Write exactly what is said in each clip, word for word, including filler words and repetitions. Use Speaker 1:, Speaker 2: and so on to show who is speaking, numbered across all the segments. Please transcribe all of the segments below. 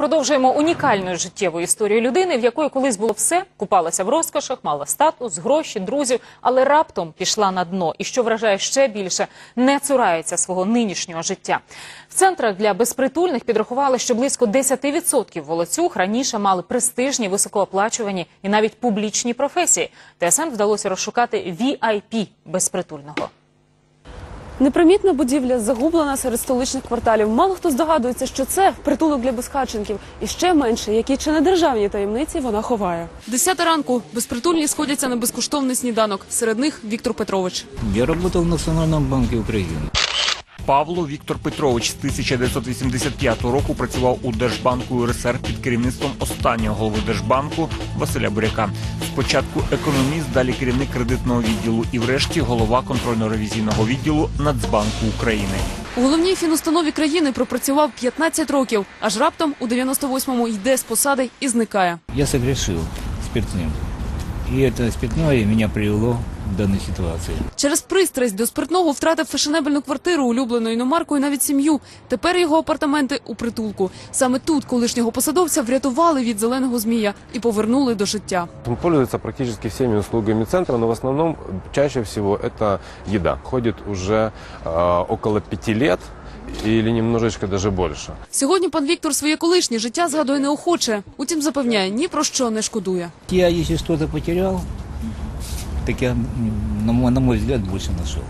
Speaker 1: Продовжуємо унікальною життєвою історією людини, в якої колись було все, купалася в розкошах, мала статус, гроші, друзів, але раптом пішла на дно. І, що вражає ще більше, не цурається свого нинішнього життя. В центрах для безпритульних підрахували, що близько десять відсотків волоцюг раніше мали престижні, високооплачувані і навіть публічні професії. ТСН вдалося розшукати ві ай пі безпритульного.
Speaker 2: Непримітна будівля загублена серед столичних кварталів. Мало хто здогадується, що це притулок для безхатченків. І ще менше, які чи не державні таємниці вона ховає. Десята ранку. Безпритульні сходяться на безкоштовний сніданок. Серед них Віктор Петрович.
Speaker 3: Я працював в Національному банку України.
Speaker 4: Павло Віктор Петрович з тисяча дев'ятсот вісімдесят п'ятого року працював у Держбанку ю ер ес ер під керівництвом останнього голови Держбанку Василя Буряка. Спочатку економіст, далі керівник кредитного відділу і врешті голова контрольно-ревізійного відділу Нацбанку України.
Speaker 2: У головній фінустанові країни пропрацював п'ятнадцять років. Аж раптом у дев'яносто восьмому йде з посади і зникає.
Speaker 3: Я согрешил спиртным. И это спиртное меня привело в данной ситуации.
Speaker 2: Через пристрасть до спиртного втратив фешенебельну квартиру, улюблену іномаркою, навіть сім'ю. Тепер його апартаменти у притулку. Саме тут колишнього посадовця врятували від зеленого змія і повернули до життя.
Speaker 5: Он пользуется практически всеми услугами центра, но в основном чаще всего это еда. Ходит уже э, около пяти лет. Или немножечко даже больше.
Speaker 2: Сьогодні пан Віктор своє колишнє життя згадує неохоче. Утім, запевняє, ні про що не шкодує.
Speaker 3: Я, если что-то потерял, так я, на мой, на мой взгляд, больше нашел.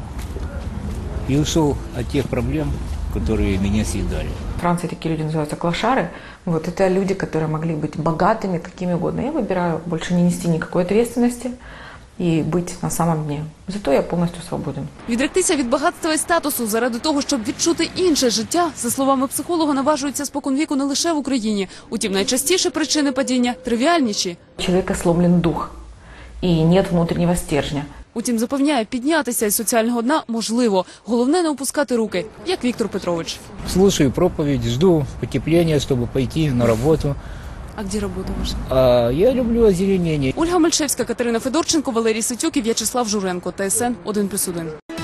Speaker 3: И ушел от тех проблем, которые меня съедали.
Speaker 6: В Франции такие люди называются клошары. Вот это люди, которые могли быть богатыми, какими угодно. Я выбираю больше не нести никакой ответственности і бути на самому дні. Зато я повністю свободен.
Speaker 2: Відректися від багатства і статусу заради того, щоб відчути інше життя, за словами психолога, наважуються споконвіку не лише в Україні. Утім, найчастіше причини падіння тривіальніші.
Speaker 6: У чоловіка сломлен дух і нет внутрішнього стержня.
Speaker 2: Утім, запевняє, піднятися із соціального дна можливо. Головне не опускати руки, як Віктор Петрович.
Speaker 3: Слушаю проповедь, жду потепления, чтобы пойти на работу.
Speaker 2: А де робота ваша?
Speaker 3: А я люблю озеленение.
Speaker 2: Ольга Мальшевська, Катерина Федорченко, Валерій Ситюк і В'ячеслав Журенко. ТСН один плюс один.